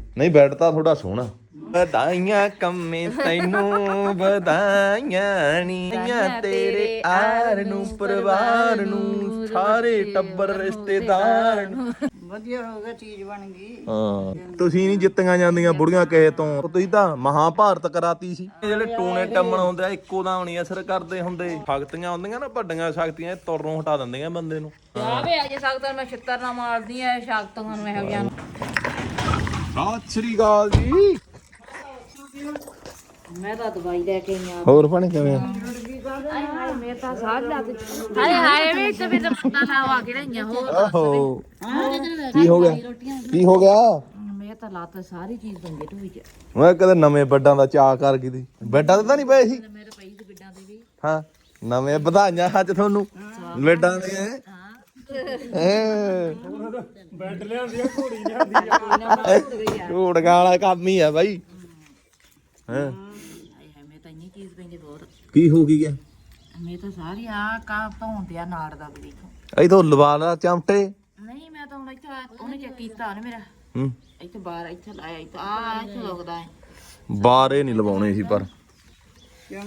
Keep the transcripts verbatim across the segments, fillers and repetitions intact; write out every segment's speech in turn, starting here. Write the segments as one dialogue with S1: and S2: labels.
S1: ਨਹੀਂ ਬੈੱਡ ਤਾਂ ਥੋੜਾ ਸੋਹਣਾ। ਵਧਾਈਆਂ ਕੰਮੇ ਤੈਨੂੰ ਵਧਾਈਆਂ ਨੀ ਤੇਰੇ ਆਰ ਨੂੰ ਪਰਿਵਾਰ ਨੂੰ ਸਾਰੇ ਟੱਬਰ ਰਿਸ਼ਤੇਦਾਰ ਨੂੰ।
S2: ਵਧੀਆ ਹੋ ਗਿਆ, ਚੀਜ਼ ਬਣ ਗਈ।
S1: ਹਾਂ ਤੁਸੀਂ ਨਹੀਂ ਜਿੱਤੀਆਂ ਜਾਂਦੀਆਂ ਬੁੜੀਆਂ ਕਿਸੇ ਤੋਂ, ਤੁਸੀਂ ਤਾਂ ਮਹਾਭਾਰਤ ਕਰਾਤੀ ਸੀ। ਜਿਹੜੇ ਟੂਣੇ ਟੰਮਣ ਹੁੰਦੇ ਆ ਇੱਕੋ ਦਾ ਨਹੀਂ ਅਸਰ ਕਰਦੇ ਹੁੰਦੇ। ਸ਼ਕਤੀਆਂ ਹੁੰਦੀਆਂ ਨਾ ਵੱਡੀਆਂ ਸ਼ਕਤੀਆਂ, ਤੁਰੋਂ ਹਟਾ ਦਿੰਦੀਆਂ ਬੰਦੇ ਨੂੰ।
S3: ਆਵੇ ਅਜੇ ਸਕਦਾ ਮੈਂ ਛਿੱਤਰ ਨਾ ਮਾਰਦੀ ਐ ਸ਼ਕਤੀਆਂ ਨੂੰ ਇਹੋ ਜਿਹਾ ਨੂੰ।
S1: ਸਤਿ ਸ੍ਰੀ ਅਕਾਲ ਜੀ।
S3: ਮੈਂ ਤਾਂ ਦਵਾਈ ਲੈ ਕੇ ਆਈ ਆ।
S1: ਹੋਰ ਭੈਣੇ ਕਿਵੇਂ ਆ?
S3: ਹਾਏ ਹਾਏ ਮੇਰੇ ਤਾਂ ਸਾਹ ਲੱਗ ਹਾਏ ਹਾਏ ਵੇ ਤੇ ਫਿਰ ਮੁੰਡਾ ਨਾ ਆ ਕੇ ਰਹੀਆਂ ਹੋਰ
S1: ਆਹੋ ਕੀ ਹੋ ਗਿਆ ਕੀ ਹੋ ਗਿਆ?
S3: ਮੈਂ ਤਾਂ ਲੱਤ ਸਾਰੀ ਚੀਜ਼ ਦੰਗੇ ਢੂਈ ਚ।
S1: ਮੈਂ ਕਦੇ ਨਵੇਂ ਬੈੱਡਾਂ ਦਾ ਚਾਅ ਕਰ ਗਈ ਸੀ। ਬੈੱਡਾਂ ਤੇ ਤਾਂ ਨਹੀਂ ਪਏ ਸੀ?
S3: ਮੇਰੇ ਪਈ ਸੀ ਬਿੱਡਾਂ ਦੇ ਵੀ।
S1: ਹਾਂ ਨਵੇਂ ਵਧਾਈਆਂ ਅੱਜ ਤੁਹਾਨੂੰ ਬੈੱਡਾਂ ਦੀਆਂ।
S2: ਬੈੱਡ ਲਿਆਂਦੀ ਆ, ਘੋੜੀ ਲਿਆਂਦੀ ਆ।
S1: ਝੂੜਗਾ ਵਾਲਾ ਕੰਮ ਹੀ ਆ ਬਾਈ। ਹਾਂ
S3: ਹਾਏ ਹਾਏ ਮੈਂ ਤਾਂ ਇੰਨੀ ਚੀਜ਼ ਪੈਂਦੀ ਬਹੁਤ।
S1: ਕੀ ਹੋ ਗਈ ਗਿਆ?
S3: ਮੈਂ ਤਾਂ ਸਾਰੀ ਆ ਕਾ ਧੌਂਦੇ ਆ ਨਾੜ ਦਾ ਵੀ ਦੇਖੋ।
S1: ਇਥੋਂ ਲਵਾ ਲਾ ਚਮਟੇ।
S3: ਨਹੀਂ ਮੈਂ ਤਾਂ ਹੁਣ ਇੱਥੇ ਉਹਨੇ ਚੈੱਕ ਕੀਤਾ ਉਹਨੇ ਮੇਰਾ
S1: ਹੂੰ
S3: ਇੱਥੇ ਬਾਹਰ ਇੱਥੇ ਲਾਇਆ ਇੱਥੇ ਆ ਇੱਥੇ ਲੱਗਦਾ ਹੈ।
S1: ਬਾਰੇ ਨਹੀਂ ਲਵਾਉਣੇ ਸੀ ਪਰ
S3: ਆਏ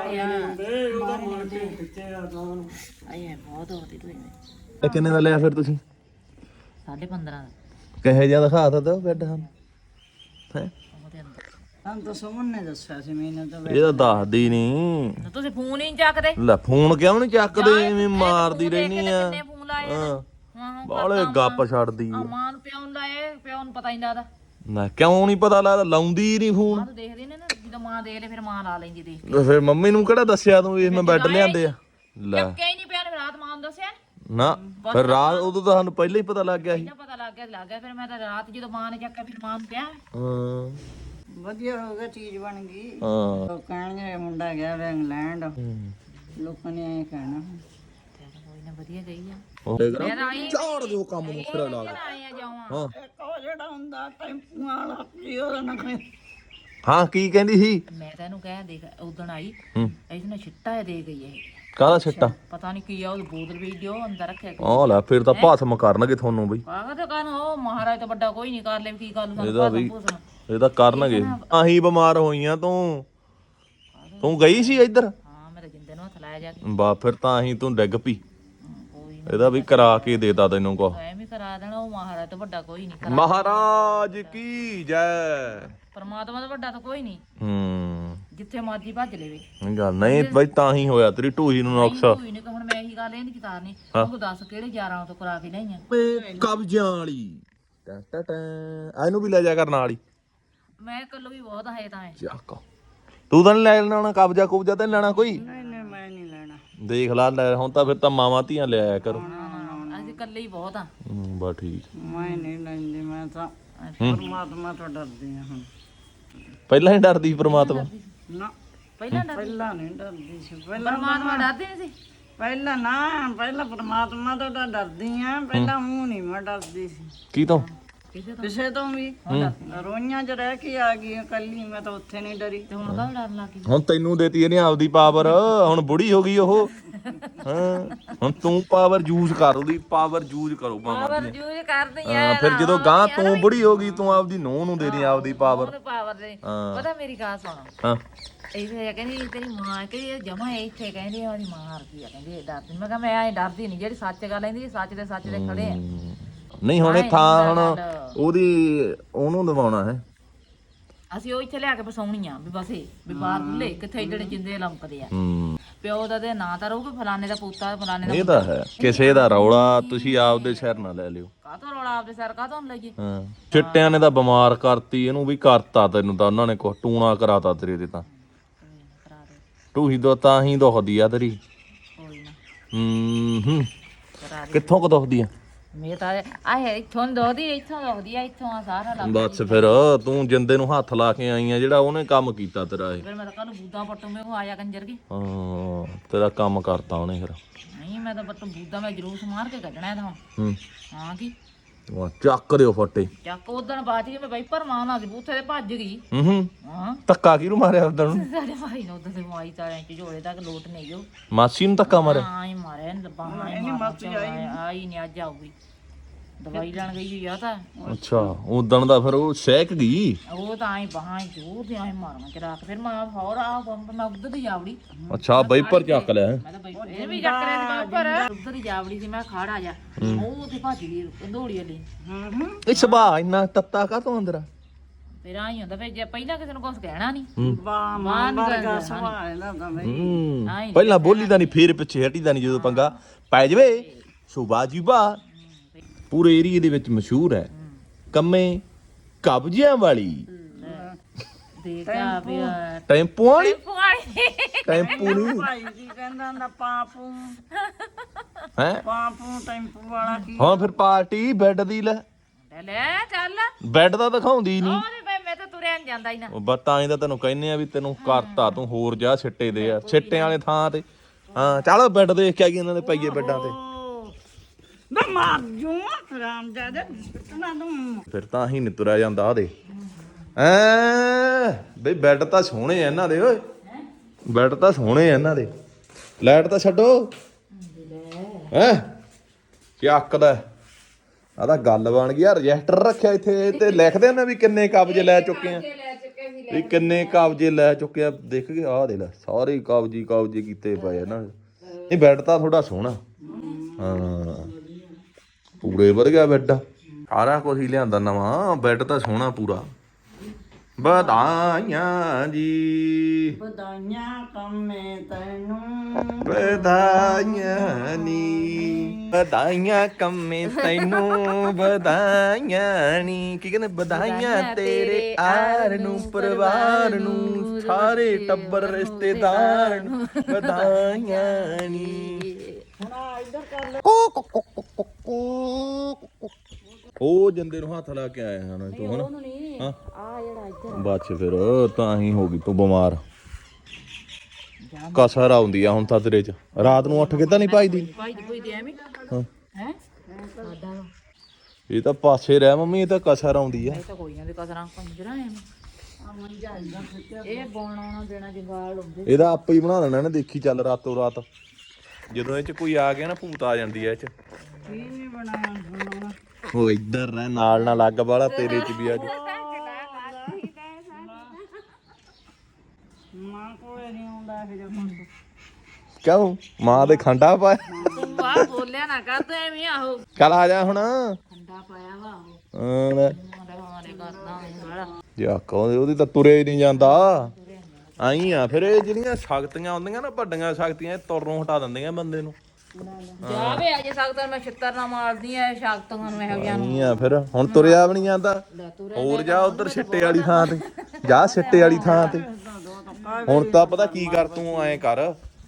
S3: ਹਾਏ ਬਹੁਤ ਹੋਤੀ ਤੂੰ
S1: ਇਹ ਕਿੰਨੇ ਦਾ ਲਿਆ ਫਿਰ ਤੁਸੀਂ?
S3: ਸਾਢੇ ਪੰਦਰਾਂ ਦਾ
S1: ਕਹੇ ਜਿਹਾ ਦਿਖਾ ਤਾ ਦਿਓ ਬੈੱਡ ਹਨ ਹੈ।
S3: ਉਹਦੇ ਅੰਦਰ
S2: ਸਾਨੂੰ ਤਾਂ ਸੁਮਨ ਨੇ ਦੱਸਿਆ ਸੀ, ਮੈਨੂੰ ਤਾਂ
S1: ਇਹ ਤਾਂ ਦੱਸਦੀ ਨਹੀਂ।
S3: ਤੁਸੀਂ ਫੋਨ ਹੀ ਨਹੀਂ ਚੱਕਦੇ।
S1: ਲੈ ਫੋਨ ਕਿਉਂ ਨਹੀਂ ਚੱਕਦੇ? ਐਵੇਂ ਮਾਰਦੀ ਰਹਿਨੀ ਆ।
S3: ਕਿੰਨੇ ਫੋਨ ਲਾਏ
S1: ਹਾਂ
S3: ਹਾਂ
S1: ਬਾਲੇ ਗੱਪ ਛੱਡਦੀ ਆ।
S3: ਮਾਂ ਨੂੰ ਪਿਓ ਨੂੰ ਲਾਏ ਪਿਓ ਨੂੰ ਪਤਾ ਹੀ ਨਹੀਂ ਲੱਗਦਾ।
S1: ਨਾ ਕਿਉਂ ਨਹੀਂ ਪਤਾ ਲੱਗਦਾ? ਲਾਉਂਦੀ ਨਹੀਂ ਫੋਨ।
S3: ਮਾਂ ਤਾਂ ਦੇਖਦੀ ਨੇ ਨਾ ਜਦੋਂ ਮਾਂ ਦੇਖ ਲੈ ਫਿਰ ਮਾਂ ਲਾ ਲੈਂਦੀ ਦੇਖ ਕੇ।
S1: ਤੇ ਫਿਰ ਮੰਮੀ ਨੂੰ ਕਿਹੜਾ ਦੱਸਿਆ ਤੂੰ ਵੀ ਮੈਂ ਬੈੱਡ ਲਿਆਂਦੇ ਆ? ਲੈ
S3: ਚੱਕਿਆ ਹੀ ਨਹੀਂ ਪਿਆ ਨੇ ਰਾਤ ਮਾਂ ਨੂੰ ਦੱਸਿਆ
S1: ਨਾ ਫਿਰ ਰਾਤ ਉਦੋਂ ਤਾਂ ਸਾਨੂੰ ਪਹਿਲਾਂ ਹੀ ਪਤਾ ਲੱਗ ਗਿਆ ਸੀ।
S3: ਨਾ ਪਤਾ ਲੱਗ ਗਿਆ ਲੱਗ ਗਿਆ ਫਿਰ ਮੈਂ ਤਾਂ ਰਾਤ ਜਦੋਂ ਮਾਂ ਨੇ ਚੱਕਿਆ ਫਿਰ ਮਾਂ ਨੂੰ ਪਿਆ।
S1: ਹਾਂ
S2: ਵਧੀਆ ਹੋ ਗਿਆ, ਚੀਜ਼ ਬਣ ਗਈ।
S1: ਹਾਂ
S2: ਲੋਕ ਕਹਿਣਗੇ ਮੁੰਡਾ ਗਿਆ ਵਾ ਇੰਗਲੈਂਡ, ਲੋਕਾਂ ਨੇ ਐਂ ਕਹਿਣਾ।
S3: ਕੋਈ ਨਾ ਵਧੀਆ ਗਈ ਆ।
S1: ਮੈਂ ਆਈ ਝਾੜ ਦਿਓ ਕੰਮ ਨੂੰ ਫਿਰ ਲਾ ਕੇ।
S3: ਆਏ ਆ ਜਾਵਾਂ
S1: ਹਾਂ
S2: ਇੱਕ ਉਹ ਜਿਹੜਾ ਹੁੰਦਾ ਟੈਂਪੂ ਵਾਲਾ ਜੀ, ਉਹਦਾ ਨਾ ਕੋਈ
S1: ਹਾਂ ਕੀ ਕਹਿੰਦੀ ਸੀ?
S3: ਮੈਂ ਤਾਂ ਇਹਨੂੰ ਕਹਿ ਦੇਖ ਉਦਣ ਆਈ
S1: ਹੂੰ
S3: ਇਹਦੇ ਨਾਲ ਛਿੱਟਾ ਦੇ ਗਈ ਇਹ
S1: ਕਾਹਦਾ ਛਿੱਟਾ?
S3: ਪਤਾ ਨਹੀਂ ਕੀ ਆ ਉਹ ਬੋਤਲ ਵੀ ਦਿਓ ਅੰਦਰ ਰੱਖਿਆ
S1: ਆਹ ਲੈ ਫਿਰ ਤਾਂ ਭਾਸਮ ਕਰਨਗੇ ਤੁਹਾਨੂੰ ਬਈ।
S3: ਆਹ ਤਾਂ ਕਹਿਣ ਉਹ ਮਹਾਰਾਜ ਤੋਂ ਵੱਡਾ ਕੋਈ ਨਹੀਂ ਕਰ ਲੈ ਕੀ ਗੱਲ ਨੂੰ
S1: ਇਹਦਾ ਵੀ ਇਹ ਤਾਂ ਕਰਨਗੇ। ਆਹੀ ਬਿਮਾਰ ਹੋਈਆਂ ਤੂੰ ਤੂੰ ਗਈ ਸੀ ਇੱਧਰ?
S3: ਹਾਂ ਮੈਂ ਤਾਂ ਜਿੰਦੇ ਨੂੰ ਹੱਥ ਲਾਇਆ ਜਾ ਕੇ
S1: ਬਾ ਫਿਰ ਤਾਂ ਆਹੀ ਤੂੰ ਡਿੱਗ ਪਈ।
S3: ਕੋਈ
S1: ਇਹਦਾ ਵੀ ਕਰਾ ਕੇ ਦੇਤਾ ਤੈਨੂੰ ਕੋ।
S3: ਐਵੇਂ ਕਰਾ ਦੇਣਾ ਉਹ ਮਹਾਰਾਜ ਤੋਂ ਵੱਡਾ ਕੋਈ ਨਹੀਂ।
S1: ਮਹਾਰਾਜ ਕੀ ਜੈ।
S3: ਪਰਮਾਤਮਾ ਤੋਂ ਵੱਡਾ ਤਾਂ ਕੋਈ ਨਹੀਂ।
S1: ਹੂੰ
S3: ਜਿੱਥੇ ਮਰਜੀ ਭੱਜ ਲੈਵੇ
S1: ਗੱਲ ਨਹੀਂ ਬਈ ਤਾਂ ਹੀ ਹੋਇਆ ਤੇਰੀ ਢੂਹੀ ਨੂੰ ਨੁਕਸ।
S3: ਕੋਈ ਨਹੀਂ ਹੁਣ ਮੈਂ ਇਹੀ ਗੱਲ ਇਹ ਨਹੀਂ ਚਿਤਾਰਨੀ ਤੂੰ ਦੱਸ ਕਿਹੜੇ ਯਾਰਾਂ ਤੋਂ ਕਰਾ ਕੇ ਲਈਆਂ।
S1: ਕਬਜ਼ਾਂ ਵਾਲੀ ਟਾ ਟਾ ਟਾ ਇਹਨੂੰ ਵੀ ਲੈ ਜਾ ਕਰ ਨਾਲ ਹੀ।
S3: ਮੈਂ ਕੱਲੋ ਵੀ ਬਹੁਤ ਹੈ ਤਾਂ ਹੈ।
S1: ਚੱਕ ਤੂੰ ਤਾਂ ਨੀ ਲੈ ਲੈਣਾ ਕਬਜ਼ਾ ਕੁਬਜ਼ਾ ਤਾਂ ਨੀ ਲੈਣਾ ਕੋਈ?
S2: ਨਹੀਂ ਨਹੀਂ ਮੈਂ ਨਹੀਂ ਲੈਣਾ।
S1: ਦੇਖ ਲਾ ਲੈ ਹੁਣ ਤਾਂ ਫਿਰ ਤਾਂ ਮਾਵਾਂ ਧੀਆਂ ਲਿਆਇਆ ਕਰੋ।
S3: ਅਸੀਂ ਕੱਲੇ ਹੀ ਬਹੁਤ ਆ।
S1: ਹੂੰ ਬਾ ਠੀਕ।
S2: ਮੈਂ ਨਹੀਂ ਲੈਂਦੀ, ਮੈਂ ਤਾਂ ਪਰਮਾਤਮਾ ਤੋਂ ਡਰਦੀ ਹਾਂ। ਹੁਣ
S1: ਪਹਿਲਾਂ ਹੀ ਡਰਦੀ ਪਰਮਾਤਮਾ?
S2: ਨਾ
S3: ਪਹਿਲਾਂ ਡਰ
S2: ਪਹਿਲਾਂ ਨਹੀਂ ਡਰਦੀ ਸੀ। ਪਹਿਲਾਂ
S3: ਪਰਮਾਤਮਾ ਡਰਦੇ ਨਹੀਂ ਸੀ।
S2: ਪਹਿਲਾਂ ਨਾ ਪਹਿਲਾਂ ਪਰਮਾਤਮਾ ਤੋਂ ਤਾਂ ਡਰਦੀ ਆ, ਪਹਿਲਾਂ ਮੂੰਹ ਨਹੀਂ ਮੈਂ ਡਰਦੀ ਸੀ
S1: ਕੀ ਤੋਂ?
S2: ਕਿਸੇ ਤੋਂ ਵੀ। ਰੋਈਆਂ 'ਚ ਰਹਿ ਕੇ ਆ ਗਈ ਇਕੱਲੀ, ਮੈਂ ਤਾਂ ਉੱਥੇ ਨਹੀਂ ਡਰੀ।
S3: ਤੇ ਹੁਣ ਕਾਹ ਡਰਨ ਲੱਗ ਗਈ?
S1: ਹੁਣ ਤੈਨੂੰ ਦੇਤੀ ਇਹਨੇ ਆਪਦੀ ਪਾਵਰ। ਹੁਣ ਬੁੜੀ ਹੋ ਗਈ ਉਹ। ਹਾਂ ਹੁਣ ਤੂੰ ਪਾਵਰ ਯੂਜ਼ ਕਰ, ਉਹਦੀ ਪਾਵਰ ਯੂਜ਼ ਕਰੋ ਮਾਮਾ
S3: ਪਾਵਰ ਯੂਜ਼ ਕਰਦੀ ਆ।
S1: ਹਾਂ ਫਿਰ ਜਦੋਂ ਗਾਂ ਤੂੰ ਬੁੜੀ ਹੋ ਗਈ ਤੂੰ ਆਪਦੀ ਨੂੰਹ ਨੂੰ ਦੇ ਦੀ ਆਪਦੀ ਪਾਵਰ।
S3: ਪਾਵਰ ਦੇ ਪਤਾ ਮੇਰੀ ਗੱਲ ਸੁਣ।
S1: ਹਾਂ
S3: ਇਹ ਕਹਿੰਦੀ ਤੇਰੀ ਮਾਂ ਕਹਿੰਦੀ ਜਮਾ ਇੱਥੇ ਕਹਿੰਦੀ ਉਹਦੀ ਮਾਂ ਹਰ ਗਈ ਆ ਕਹਿੰਦੀ ਇਹ ਡਰਦੀ। ਮੈਂ ਕਿਹਾ ਮੈਂ ਐ ਡਰਦੀ ਨਹੀਂ, ਜਿਹੜੀ ਸੱਚ ਗੱਲ ਕਹਿੰਦੀ ਸੱਚ ਦੇ ਸੱਚ ਦੇ ਖੜੇ ਆ।
S1: ਨਹੀਂ ਹੁਣ ਇਹ ਥਾਂ ਹੁਣ ਉਹਦੀ ਉਹਨੂੰ ਦਵਾਉਣਾ ਹੈ।
S3: ਅਸੀਂ ਉਹ ਇੱਥੇ ਲਿਆ ਕੇ ਫਸਾਉਣੀ ਆ ਵੀ ਬਸ ਇਹ ਵੀ ਬਾਹਰ ਬੁੱਲੇ ਕਿੱਥੇ ਜਿਹੜੇ ਜਿੰਦੇ ਲੰਕਦੇ ਆ।
S1: ਹੂੰ
S3: ਪਿਓ ਦਾ ਤੇ ਨਾਂ ਤਾਂ ਰਹੂਗਾ ਫਲਾਣੇ ਦਾ ਪੁੱਤਾ ਫਲਾਣੇ ਦਾ।
S1: ਇਹ ਤਾਂ ਹੈ ਕਿਸੇ ਦਾ ਰੌਲਾ ਤੁਸੀਂ ਆਪਦੇ ਸਿਰ ਨਾ ਲੈ ਲਿਓ।
S3: ਕਾਹਤੋਂ ਰੌਲਾ ਆਪਦੇ ਸਿਰ ਕਾਹਤੋਂ ਲਈਏ?
S1: ਹਾਂ ਚਿੱਟਿਆਂ ਨੇ ਤਾਂ ਬਿਮਾਰ ਕਰਤੀ, ਇਹਨੂੰ ਵੀ ਕਰਤਾ ਤੈਨੂੰ ਤਾਂ ਉਹਨਾਂ ਨੇ ਕੁਛ ਟੂਣਾ ਕਰਾਤਾ ਤੇਰੇ ਤੇ ਤਾਂ।
S3: ਕਰਾ ਦੇ
S1: ਟੂਹੀ ਦੋ ਤਾਂ ਹੀ ਦੁਖਦੀ ਆ ਤੇਰੀ।
S3: ਕੋਈ ਨਾ
S1: ਹੂੰ ਹੂੰ
S3: ਕਰਾ ਦੇ।
S1: ਕਿੱਥੋਂ ਕੁ ਦੁਖਦੀ ਆ?
S3: ਮੇਰੇ ਤਾਂ ਆਹ ਇੱਥੋਂ ਦੋਦੀ ਇੱਥੋਂ ਦੁਖਦੀ ਆ ਇੱਥੋਂ ਆ ਸਾਰਾ ਲੱਗ।
S1: ਬਸ ਫਿਰ ਤੂੰ ਜਿੰਦੇ ਨੂੰ ਹੱਥ ਲਾ ਕੇ ਆਈ ਆ ਜਿਹੜਾ ਉਹਨੇ ਕੰਮ ਕੀਤਾ ਤੇਰਾ ਇਹ।
S3: ਫਿਰ ਮੈਂ ਤਾਂ ਕੱਲ ਬੂਦਾ ਪੱਟੂ ਮੈਂ ਕੋ ਆਇਆ ਕੰਜਰ ਕੇ।
S1: ਹਾਂ ਤੇਰਾ ਕੰਮ ਕਰਤਾ ਉਹਨੇ ਫਿਰ।
S3: ਨਹੀਂ ਮੈਂ ਤਾਂ ਪੱਟੂ ਬੂਦਾ ਮੈਂ ਜਲੂਸ ਮਾਰ ਕੇ ਕੱਢਣਾ ਇਹਦਾ ਹੁਣ।
S1: ਹੂੰ
S3: ਹਾਂ ਕੀ
S1: ਵਾਹ ਚੱਕ ਦਿਓ ਫੱਟੇ।
S3: ਚੱਕ ਉਦਣ ਬਾਅਦ ਕੇ ਮੈਂ ਵਾਈਪਰ ਮਾਰਨਾ ਸੀ ਬੂਥੇ ਤੇ ਭੱਜ ਗਈ।
S1: ਹੂੰ ਹੂੰ
S3: ਹਾਂ
S1: ਧੱਕਾ ਕਿਹਨੂੰ ਮਾਰਿਆ ਉਦੋਂ ਨੂੰ?
S3: ਸਾਡੇ ਭਾਈ ਨੇ ਉਦੋਂ ਤੇ ਮਾਈ ਤਾਰਿਆਂ ਚ ਝੋਲੇ ਤੱਕ ਲੋਟ ਨਹੀਂ ਜੋ।
S1: ਮਾਸੀ ਨੂੰ ਧੱਕਾ ਮਾਰਿਆ?
S3: ਹਾਂ ਹੀ ਮਾਰਿਆ ਨੀ ਲੱਭਾ ਹਾਂ ਹੀ ਮਾਰਿਆ ਆਈ ਨਹੀਂ ਅੱਜ ਆਊਗੀ। ਦਵਾਈ ਲੈਣ ਗਈ ਹੋਈ ਆ ਤਾਂ
S1: ਅੱਛਾ ਉਦਣ ਦਾ ਫਿਰ ਉਹ ਸਹਿਕ ਗਈ।
S3: ਉਹ ਤਾਂ ਐ ਬਾਹਾਂ ਜੋਰ ਤੇ ਐ ਮਾਰਾਂ ਚਰਾ ਕੇ ਫਿਰ ਮੈਂ ਹੋਰ ਆ ਪੰਪ ਮੈਂ ਉਧਰ ਦੀ ਜਾਵੜੀ
S1: ਅੱਛਾ ਬਾਈਪਰ ਚੱਕ ਲਿਆ ਹੈਂ?
S3: ਮੈਂ ਤਾਂ ਬਈ ਇਹ ਵੀ ਚੱਕ ਰਿਹਾ ਸੀ ਬਾਈਪਰ ਉਧਰ ਹੀ ਜਾਵੜੀ ਸੀ ਮੈਂ ਖੜ ਆ ਜਾ ਉਹ ਤੇ ਭੱਜ ਗਈ ਦੌੜੀ ਵਾਲੀ
S2: ਹੂੰ ਹੂੰ
S1: ਇਹ ਸੁਭਾਅ ਇੰਨਾ ਤੱਤਾ ਕਾ ਤੋਂ ਅੰਦਰ
S3: ਫਿਰ ਆਈ ਹੁੰਦਾ ਫਿਰ ਜੇ ਪਹਿਲਾਂ ਕਿਸੇ ਨੂੰ ਕੁਝ ਕਹਿਣਾ ਨਹੀਂ
S1: ਹੂੰ
S2: ਬਾ ਮਾਂ ਵਰਗਾ ਸੁਭਾਅ ਇਹਦਾ ਤਾਂ ਬਈ
S1: ਹੂੰ।
S3: ਆਈ
S1: ਪਹਿਲਾਂ ਬੋਲੀ ਦਾ ਨਹੀਂ ਫੇਰ ਪਿੱਛੇ ਹਟੀ ਦਾ ਨਹੀਂ ਜਦੋਂ ਪੰਗਾ ਪੈ ਜਵੇ ਸੁਭਾਅ ਜੀ ਬਾ ਪੂਰੇ ਏਰੀਏ ਦੇ ਵਿੱਚ ਮਸ਼ਹੂਰ ਹੈ ਕੰਮੇ ਕਬਜ਼ਿਆਂ ਵਾਲੀ
S3: ਦੇਖਿਆ ਵੀ
S1: ਟੈਂਪੂ ਵਾਲੀ
S3: ਪੁਆਣੀ
S1: ਟੈਂਪੂ ਨਹੀਂ
S2: ਭਾਈ ਕੀ ਕਹਿੰਦਾ ਹੁੰਦਾ ਪਾਪੂ
S1: ਹੈ
S2: ਪਾਪੂ ਟੈਂਪੂ ਵਾਲਾ ਕੀ
S1: ਹਾਂ ਫਿਰ ਪਾਰਟੀ ਬੈੱਡ ਦੀ ਲੈ
S3: ਲੈ ਚੱਲ
S1: ਬੈੱਡ ਦਾ ਦਿਖਾਉਂਦੀ ਨਹੀਂ
S3: ਉਹਦੇ ਮੈਂ ਮੈਂ ਤਾਂ ਤੁਰਿਆ ਨੀ ਜਾਂਦਾ ਹੀ ਨਾ
S1: ਉਹ ਬਤਾ ਐਂ ਤਾਂ ਤੈਨੂੰ ਕਹਿੰਨੇ ਆ ਵੀ ਤੈਨੂੰ ਕਰਤਾ ਤੂੰ ਹੋਰ ਜਾ ਸਿੱਟੇ ਦੇ ਆ ਸਿੱਟੇ ਵਾਲੇ ਥਾਂ ਤੇ ਹਾਂ ਚੱਲ ਬੈੱਡ ਦੇਖ ਕੇ ਆ ਗਈ ਇਹਨਾਂ ਦੇ ਪਈਏ ਬੈੱਡਾਂ ਤੇ
S2: ਮੈਂ ਮਾਰ ਜੂ ਰਾਮ ਜਾਦੇ ਕਿਤਨਾ ਦੂੰ
S1: ਫਿਰ ਤਾਂ ਹੀ ਨੀ ਤੁਰਿਆ ਜਾਂਦਾ ਆ ਦੇ ਐ ਬਈ ਬੈੱਡ ਤਾਂ ਸੋਹਣੇ ਆ ਇਹਨਾਂ ਦੇ ਓਏ ਬੈੱਡ ਤਾਂ ਸੋਹਣੇ ਆ ਇਹਨਾਂ ਦੇ ਲਾਈਟ ਤਾਂ ਛੱਡੋ ਹੈ ਕੀ ਆਕਦਾ ਆ ਤਾਂ ਗੱਲ ਬਣ ਗਈ ਆ ਰਜਿਸਟਰ ਰੱਖਿਆ ਇੱਥੇ ਤੇ ਲਿਖਦੇ ਨੇ ਵੀ ਕਿੰਨੇ ਕਬਜ਼ੇ ਲੈ ਚੁੱਕੇ ਆ ਵੀ ਕਿੰਨੇ ਕਬਜ਼ੇ ਲੈ ਚੁੱਕੇ ਆ ਦੇਖ ਕੇ ਆਹ ਦੇ ਲੈ ਸਾਰੇ ਕਬਜ਼ੇ ਕਬਜ਼ੇ ਕੀਤੇ ਪਏ ਆ ਨਾ ਇਹ ਬੈੱਡ ਤਾਂ ਥੋੜਾ ਸੋਹਣਾ ਹਾਂ ਪੂਰੇ ਵਧੀਆ ਬੈੱਡ ਸਾਰਾ ਕੁਝ ਹੀ ਲਿਆਂਦਾ ਨਵਾਂ ਬੈੱਡ ਤਾਂ ਸੋਹਣਾ ਪੂਰਾ ਵਧਾਈਆਂ ਜੀ
S2: ਵਧਾਈਆਂ ਕੰਮੇ ਤੈਨੂੰ
S1: ਵਧਾਈਆਂ ਨੀ ਵਧਾਈਆਂ ਕੰਮੇ ਤੈਨੂੰ ਵਧਾਈਆਂ ਨੀ ਕੀ ਕਹਿੰਦੇ ਵਧਾਈਆਂ ਤੇਰੇ ਆਰ ਨੂੰ ਪਰਿਵਾਰ ਨੂੰ ਸਾਰੇ ਟੱਬਰ ਰਿਸ਼ਤੇਦਾਰ ਨੂੰ ਵਧਾਈਆਂ ਨੀ ਉਹ ਜੰਦੇ ਨੂੰ ਹੱਥ ਲਾ ਕੇ ਆਇਆ ਹਾਂ ਤੂੰ ਹਨਾ ਹਾਂ
S3: ਆ ਜਿਹੜਾ ਇੱਧਰ
S1: ਬਾਅਦ ਚ ਫਿਰ ਤਾਂ ਹੀ ਹੋ ਗਈ ਤੂੰ ਬਿਮਾਰ ਕਸਰ ਆਉਂਦੀ ਆ ਹੁਣ ਤਾਂ ਤੇਰੇ ਚ ਰਾਤ ਨੂੰ ਉੱਠ ਕੇ ਤਾਂ ਨਹੀਂ ਪਾਈਦੀ
S3: ਭਾਈ ਦੀ ਕੋਈ ਦੇ ਐਵੇਂ
S1: ਹਾਂ
S3: ਹੈ ਸਾਡਾ
S1: ਇਹ ਤਾਂ ਪਾਸੇ ਰਹਿ ਮੰਮੀ ਇਹ ਤਾਂ ਕਸਰ ਆਉਂਦੀ ਆ
S3: ਇਹ ਤਾਂ ਕੋਈ ਨਾ ਵੀ ਕਸਰਾਂ ਕੰਜਰਾ ਐਵੇਂ ਇਹ ਬੋਣਾ ਦੇਣਾ ਜੰਗਾਲ ਹੁੰਦੇ
S1: ਇਹਦਾ ਆਪੇ ਹੀ ਬਣਾ ਲੈਣਾ ਇਹਨੇ ਦੇਖੀ ਚੱਲ ਰਾਤੋਂ ਰਾਤ ਜਦੋਂ ਇਹ ਚ ਕੋਈ ਆ ਗਿਆ ਨਾ ਭੂਤ ਆ ਜਾਂਦੀ ਐ ਇਹ ਚ
S2: ਕੀ ਨਹੀਂ ਬਣਾਇਆ ਬਣਾਉਣਾ
S1: ਉਹ ਇੱਧਰ ਰਹਿ ਨਾਲ ਨਾ ਲੱਗ ਵਾਲਾ ਤੇਰੇ ਚ ਵੀ ਅੱਜ
S2: ਮਾਂ ਕੋਲੇ ਨਹੀਂ ਆਉਂਦਾ ਇਹ ਜਦੋਂ
S1: ਕਿਉਂ ਮਾਂ ਦੇ ਖੰਡਾ ਪਾਇਆ
S3: ਤੂੰ ਬਾਹਰ ਬੋਲਿਆ ਨਾ ਕਰ ਤੂੰ ਐਵੇਂ ਆਹੋ
S1: ਚੱਲ ਆ ਜਾ ਹੁਣ
S3: ਠੰਡਾ ਪਾਇਆ ਵਾ ਉਹ
S1: ਹਾਂ
S3: ਮਾਰੇ ਕਰਦਾ ਬੜਾ
S1: ਜਾ ਕਹਿੰਦੇ ਉਹਦੀ ਤਾਂ ਤੁਰੇ ਹੀ ਨਹੀਂ ਜਾਂਦਾ ਆਈ ਆ ਫਿਰ ਇਹ ਜਿਹੜੀਆਂ ਸ਼ਕਤੀਆਂ ਹੁੰਦੀਆਂ ਨਾ ਵੱਡੀਆਂ ਸ਼ਕਤੀਆਂ ਇਹ ਤੁਰੋਂ ਹਟਾ ਦਿੰਦੀਆਂ ਬੰਦੇ ਨੂੰ
S3: ਜਾਵੇ ਅਜੇ ਸਕਦਾ ਮੈਂ ਛਿੱਤਰ ਨਾ ਮਾਰਦੀ ਐ ਸ਼ਕਤੀਆਂ ਨੂੰ ਇਹੋ ਜਿਹਾ
S1: ਆਈ ਆ ਫਿਰ ਹੁਣ ਤੁਰਿਆ ਵੀ ਨਹੀਂ ਜਾਂਦਾ ਹੋਰ ਜਾ ਉਧਰ ਸਿੱਟੇ ਵਾਲੀ ਥਾਂ ਤੇ ਜਾ ਸਿੱਟੇ ਵਾਲੀ ਥਾਂ ਤੇ ਹੁਣ ਤਾਂ ਪਤਾ ਕੀ ਕਰ ਤੂੰ ਐਂ ਕਰ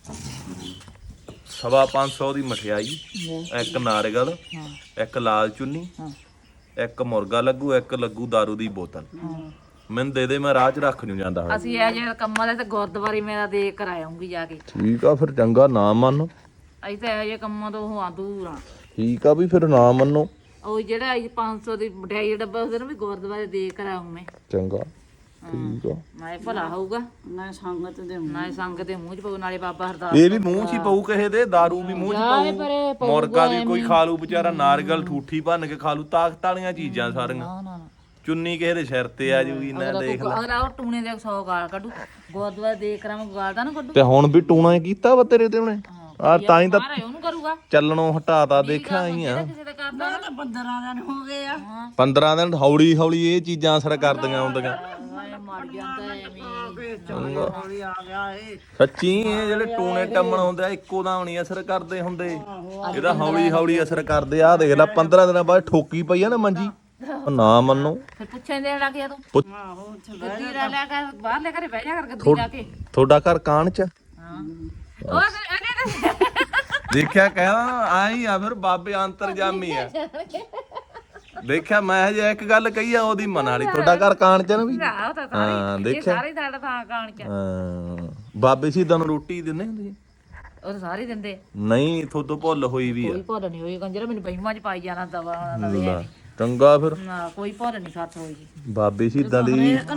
S1: ਸਵਾ ਪੰਜ ਸੌ ਦੀ ਮਠਿਆਈ ਇੱਕ ਨਾਰੀਅਲ ਇੱਕ ਲਾਲ ਚੁੰਨੀ ਇੱਕ ਮੁਰਗਾ ਲੱਗੂ ਇੱਕ ਲੱਗੂ ਦਾਰੂ ਦੀ ਬੋਤਲ ਮੈਨੂੰ ਦੇ ਦੇ ਮੈਂ ਰਾਹ 'ਚ ਰੱਖ ਨਹੀਂ ਜਾਂਦਾ ਹੁਣ।
S3: ਅਸੀਂ ਇਹ ਜਿਹੇ ਕੰਮਾਂ ਦੇ ਤੇ ਗੁਰਦੁਆਰੇ ਮੇਰਾ ਦੇ ਕਰਾਉਂਗੀ ਜਾ ਕੇ
S1: ਠੀਕ ਆ ਫਿਰ ਚੰਗਾ ਨਾ ਮੰਨ
S3: ਅਸੀਂ ਤਾਂ ਇਹ ਜਿਹੇ ਕੰਮਾਂ ਤੋਂ ਹਾਂ ਦੂਰ ਆ
S1: ਠੀਕ ਆ ਵੀ ਫਿਰ ਨਾ ਮੰਨੋ
S3: ਉਹ ਜਿਹੜਾ ਇਹ ਪੰਜ ਸੌ ਦੀ ਮਠਿਆਈ ਦਾ ਡੱਬਾ ਉਹਦੇ ਨੂੰ ਵੀ ਗੁਰਦੁਆਰੇ ਦੇ ਕਰਾਉਂ ਮੈਂ
S1: ਚੰਗਾ ਠੀਕ ਆ
S3: ਨਾਲੇ ਭਲਾ ਹੋਊਗਾ
S2: ਨਾ ਸੰਗਤ ਦੇ
S3: ਨਾਲੇ ਸੰਗ ਦੇ ਮੂੰਹ 'ਚ ਪਊ ਨਾਲੇ ਬਾਬਾ ਹਰਦਾਸ
S1: ਇਹ ਵੀ ਮੂੰਹ 'ਚ ਹੀ ਪਊ ਕਿਸੇ ਦੇ ਦਾਰੂ ਵੀ ਮੂੰਹ 'ਚ ਪਊ ਮੁਰਗਾ ਵੀ ਕੋਈ ਖਾ ਲੂ ਵਿਚਾਰਾ ਨਾਰੀਅਲ ਠੂਠੀ ਭੰਨ ਕੇ ਖਾ ਲੂ ਤਾਕਤ ਵਾਲੀਆਂ ਚੀਜ਼ਾਂ ਸਾਰੀਆਂ
S3: ਨਾ ਨਾ ਨਾ
S1: ਚੁੰਨੀ ਕਿਸੇ ਦੇ ਸਿਰ ਤੇ ਆ ਜੂਗੀ ਨਾ ਦੇਖ ਲੈ
S3: ਅਗਲਾ ਉਹ ਟੂਣੇ ਦੇ ਸੌ ਗਾਲ ਕੱਢੂ ਗੁਰਦੁਆਰੇ ਦੇ ਕਰਾਵਾਂ ਗਾਲ ਦਾ ਨਾ ਕੱਢੂ
S1: ਤੇ ਹੁਣ ਵੀ ਟੂਣਾ ਕੀਤਾ ਵਾ ਤੇਰੇ ਤੇ ਉਹਨੇ ਆ ਤਾਂ ਹੀ ਤਾਂ
S3: ਮਾਰੇ ਉਹਨੂੰ ਕਰੂਗਾ
S1: ਚੱਲਣੋਂ ਹਟਾਤਾ ਦੇਖਿਆ ਹੀ ਆ
S3: ਕਿਸੇ ਦਾ ਕਰਦਾ
S2: ਤਾਂ ਪੰਦਰਾਂ ਦਿਨ ਹੋ ਗਏ ਆ
S1: ਪੰਦਰਾਂ ਦਿਨ ਹੌਲੀ ਹੌਲੀ ਇਹ ਚੀਜ਼ਾਂ ਅਸਰ ਕਰਦੀਆਂ ਹੁੰਦੀਆਂ
S3: ਹਾਏ ਮਰ ਜਾਂਦਾ ਐਵੇਂ
S2: ਹੌਲੀ ਆ ਗਿਆ ਏ
S1: ਸੱਚੀ ਇਹ ਜਿਹੜੇ ਟੂਣੇ ਟੰਮਣ ਹੁੰਦੇ ਆ ਇੱਕੋ ਦਾ ਨਹੀਂ ਅਸਰ ਕਰਦੇ ਹੁੰਦੇ ਇਹਦਾ ਹੌਲੀ ਹੌਲੀ ਅਸਰ ਕਰਦੇ ਆ ਦੇਖ ਲੈ ਪੰਦਰਾਂ ਦਿਨਾਂ ਬਾਅਦ ਠੋਕੀ ਪਈ ਆ ਨਾ ਮੰਜੀ ਉਹ ਨਾ ਮੰਨੋ
S3: ਫਿਰ ਪੁੱਛਣ ਦੇਣ ਲੱਗ ਗਿਆ ਤੂੰ
S1: ਪੁੱਛ-
S2: ਆਹੋ ਉੱਥੇ
S3: ਗੱਦੀ ਲੈ ਲਿਆ ਕਰ ਬਾਹਰ ਲੈ ਕੇ ਬਹਿ ਜਾ ਕਰ ਗੱਦੀ ਲਾ ਕੇ
S1: ਤੁਹਾਡਾ ਘਰ ਕਾਣ ਚ
S3: ਹਾਂ ਉਹ ਅਨੇ
S1: ਦੇਖਿਆ ਕਹਿੰਦਾ ਆਈ ਆ ਫਿਰ ਬਾਬੇ ਅੰਤਰਜਾਮੀ ਆ ਦੇਖਿਆ ਮੈਂ ਜੇ ਇੱਕ ਗੱਲ ਕਹੀ ਆ ਉਹਦੀ ਮਨ ਵਾਲੀ ਤੁਹਾਡਾ ਘਰ ਕਾਣ ਚ ਨਾ ਵੀ
S3: ਆਹ ਤਾਂ
S1: ਹਾਂ
S3: ਸਾਰੇ ਇਹ
S1: ਦੇਖਿਆ
S3: ਸਾਰੇ ਸਾਡਾ ਥਾਂ ਕਾਣ ਚ
S1: ਹਾਂ ਬਾਬੇ ਸ਼ਹੀਦਾਂ ਨੂੰ ਰੋਟੀ ਦਿੰਦੇ ਹੁੰਦੇ ਸੀ?
S3: ਉਹ ਤਾਂ ਸਾਰੇ ਦਿੰਦੇ
S1: ਨਹੀਂ ਥੋਤੋਂ ਭੁੱਲ ਹੋਈ ਵੀ ਆ
S3: ਕੋਈ ਭੁੱਲ ਨਹੀਂ ਹੋਈ ਕੰਜਰਾ ਮੈਨੂੰ ਬਈਮਾਂ ਚ ਪਾਈ ਜਾਣਾ ਦਵਾ ਨਵੇਂ
S1: ਲੈ, ਚੰਗਾ ਫਿਰ
S3: ਨਾ ਕੋਈ ਭੁੱਲ ਨਹੀਂ ਸੱਤ ਹੋਈ ਜੀ
S1: ਬਾਬੇ ਸ਼ਹੀਦਾਂ ਦੀ
S2: ਇਹਨੂੰ ਨਾਮ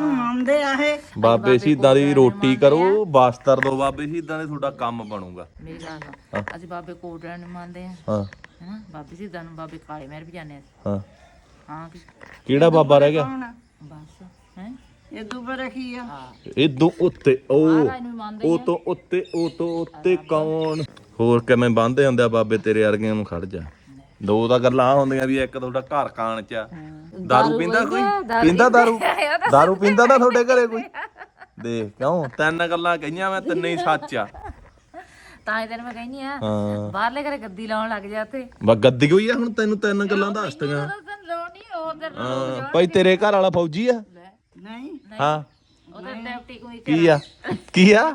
S2: ਬੰਦੇ ਆ ਇਹ
S1: ਬਾਬੇ ਸ਼ਹੀਦਾਂ ਦੀ ਰੋਟੀ ਕਰੋ, ਬਸਤਰ ਦੋ ਬਾਬੇ ਸ਼ਹੀਦਾਂ ਦੇ, ਤੁਹਾਡਾ ਕੰਮ ਬਣੂਗਾ।
S3: ਮੇਰੀ ਗੱਲ ਸੁਣ, ਅਸੀਂ ਬਾਬੇ ਕੋਟੜਾ ਨੂੰ ਮੰਨਦੇ ਆ
S1: ਹਾਂ
S3: ਹੈਨਾ, ਬਾਬੇ ਸਿੱਧਾ ਨੂੰ, ਬਾਬੇ ਕਾਲੇ ਮਹਿਰ ਵੀ ਜਾਂਦੇ ਆ।
S1: ਹਾਂ
S3: ਹਾਂ ਕਿ
S1: ਕਿਹੜਾ ਬਾਬਾ ਰਹਿ ਗਿਆ?
S2: ਕੌਣ ਆ?
S3: ਬਸ ਹੈ
S2: ਇਹ ਦੁਬਰ ਰੱਖੀ ਆ
S3: ਹਾਂ
S1: ਇਦੋਂ ਉੱਤੇ ਉਹ
S3: ਮਹਾਰਾਜ ਨੂੰ ਵੀ ਮੰਨਦੇ
S1: ਉਹ ਤੋਂ ਉੱਤੇ ਉਹ ਤੋਂ ਉੱਤੇ ਕੌਣ? ਹੋਰ ਕਿਵੇਂ ਬੰਨ੍ਹਦੇ ਹੁੰਦੇ ਆ ਬਾਬੇ ਤੇਰੇ ਵਰਗਿਆਂ ਨੂੰ? ਖੜ ਜਾ, ਦੋ ਤਾਂ ਗੱਲਾਂ ਆਹ ਹੁੰਦੀਆਂ ਵੀ ਇੱਕ ਤੁਹਾਡਾ ਘਰ ਕਾਣ ਚ ਆ। ਦਾਰੂ ਪੀਂਦਾ ਕੋਈ? ਪੀਂਦਾ ਦਾਰੂ? ਦਾਰੂ ਪੀਂਦਾ ਨਾ ਤੁਹਾਡੇ ਘਰੇ ਕੋਈ? ਦੇਖ ਕਿਉਂ ਤਿੰਨ ਗੱਲਾਂ ਕਹੀਆਂ ਮੈਂ, ਤਿੰਨੇ ਹੀ ਸੱਚ ਆ।
S3: ਤਾਂ ਇਹ ਤੈਨੂੰ ਮੈਂ ਕਹਿੰਦੀ ਆ
S1: ਹਾਂ
S3: ਬਾਹਰਲੇ ਘਰੇ ਗੱਦੀ ਲਾਉਣ ਲੱਗ ਜਾ ਉੱਥੇ।
S1: ਬਸ ਗੱਦੀ ਹੋਈ ਆ ਹੁਣ, ਤੈਨੂੰ ਤਿੰਨ ਗੱਲਾਂ ਦੱਸਤੀਆਂ।
S3: ਲੋਣੀ ਉਧਰ
S1: ਹਾਂ ਭਾਈ ਤੇਰੇ ਘਰ ਵਾਲਾ ਫੌਜੀ ਆ?
S2: ਨਹੀਂ
S1: ਹਾਂ
S3: ਉਧਰ ਡਿਪਟੀ ਕੋਈ
S1: ਕੀ ਆ ਕੀ ਆ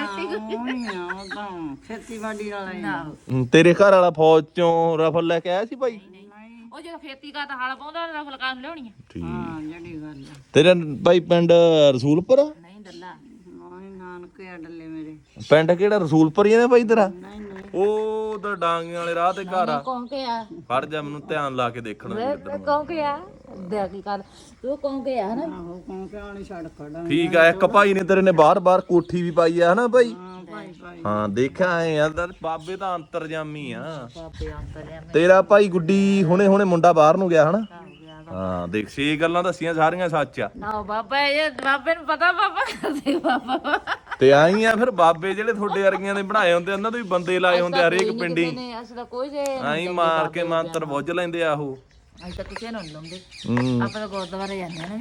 S2: ਹੋਣੀ ਆ ਉਹ ਤਾਂ ਖੇਤੀਬਾੜੀ ਵਾਲਾ ਹੀ ਆ।
S1: ਹਮ, ਤੇਰੇ ਘਰ ਵਾਲਾ ਫੌਜ ਚੋਂ ਰਫਲ ਲੈ ਕੇ ਆਇਆ ਸੀ ਭਾਈ?
S3: ਉਹ ਜਦੋਂ ਖੇਤੀ ਕਾ ਤਾਂ ਹਲ ਪਾਉਂਦਾ ਰਫਲ ਕਾਂ ਲਿਆਉਣੀ ਆ।
S1: ਠੀਕ
S2: ਹਾਂ ਜਿਹੜੀ ਗੱਲ ਆ
S1: ਤੇਰੇ ਭਾਈ ਪਿੰਡ ਰਸੂਲਪੁਰ ਆ?
S3: ਨਹੀਂ ਦੱਲਾ
S2: ਨਹੀਂ ਨਾਨਕੇ ਅਡਲੇ ਮੇਰੇ
S1: ਪਿੰਡ ਕਿਹੜਾ ਰਸੂਲਪੁਰ ਹੀ ਆ ਨੇ ਭਾਈ ਤੇਰਾ?
S2: ਨਹੀਂ ਨਹੀਂ
S1: ਉਹ ਉਧਰ ਡਾਂਗੇ ਵਾਲੇ ਰਾਹ ਤੇ ਘਰ ਆ।
S3: ਕੌਣ ਕੇ ਆ
S1: ਫੜ ਜਾ ਮੈਨੂੰ ਧਿਆਨ ਲਾ ਕੇ ਦੇਖਣਾ ਵੀ ਇੱਧਰ ਨੂੰ।
S3: ਕੌਣ ਕੇ ਆ ਦੇ ਕੀ ਕਰ ਤੂੰ ਕੌਣ ਕੇ ਆ ਨਾ
S2: ਆਹੋ ਕੌਣ ਕਿਉਂ ਛੱਡ ਖੜਾ
S1: ਠੀਕ ਆ, ਇੱਕ ਭਾਈ ਨੇ ਤੇਰੇ ਨੇ ਬਾਰ-ਬਾਰ ਕੋਠੀ ਵੀ ਪਾਈ ਆ ਹਨਾ ਭਾਈ?
S2: ਹਾਂ ਭਾਈ ਭਾਈ
S1: ਹਾਂ ਦੇਖਿਆ ਐ ਯਾਰ, ਬਾਬੇ ਤਾਂ ਅੰਤਰਜਾਮੀ ਆ।
S3: ਬਾਬੇ ਅੰਤਰਿਆ ਮੈਂ
S1: ਤੇਰਾ ਭਾਈ ਗੁੱਡੀ ਹੁਣੇ ਹੁਣੇ ਮੁੰਡਾ ਬਾਹਰ ਨੂੰ ਗਿਆ ਹਨਾ? ਹਾਂ ਦੇਖ ਛੇ ਗੱਲਾਂ ਦੱਸੀਆਂ, ਸਾਰੀਆਂ ਸੱਚ ਆ।
S3: ਨਾ ਬਾਬਾ ਇਹ ਬਾਬੇ ਨੂੰ ਪਤਾ ਬਾਬਾ ਕਰਦੇ ਬਾਬਾ
S1: ਤੇ ਆਈ ਆ ਫਿਰ ਬਾਬੇ ਜਿਹੜੇ ਤੁਹਾਡੇ ਵਰਗੀਆਂ ਦੇ ਬਣਾਏ ਹੁੰਦੇ, ਉਹਨਾਂ ਦੇ ਵੀ ਬੰਦੇ ਲਾਏ ਹੁੰਦੇ ਹਰੇਕ ਪਿੰਡੀ।
S3: ਨਹੀਂ ਅਸੀਂ ਤਾਂ ਕੋਈ ਜੇ
S1: ਆਈ ਮਾਰ ਕੇ ਮੰਤਰ ਬੁੱਝ ਲੈਂਦੇ ਆ ਉਹ।
S3: ਅਸੀਂ ਤਾਂ ਕਿਸੇ ਨੂੰ ਨੀ ਲਾਉਂਦੇ,
S1: ਹੂੰ
S3: ਆਪਾਂ ਤਾਂ ਗੁਰਦੁਆਰੇ ਜਾਂਦੇ ਆ ਨਾ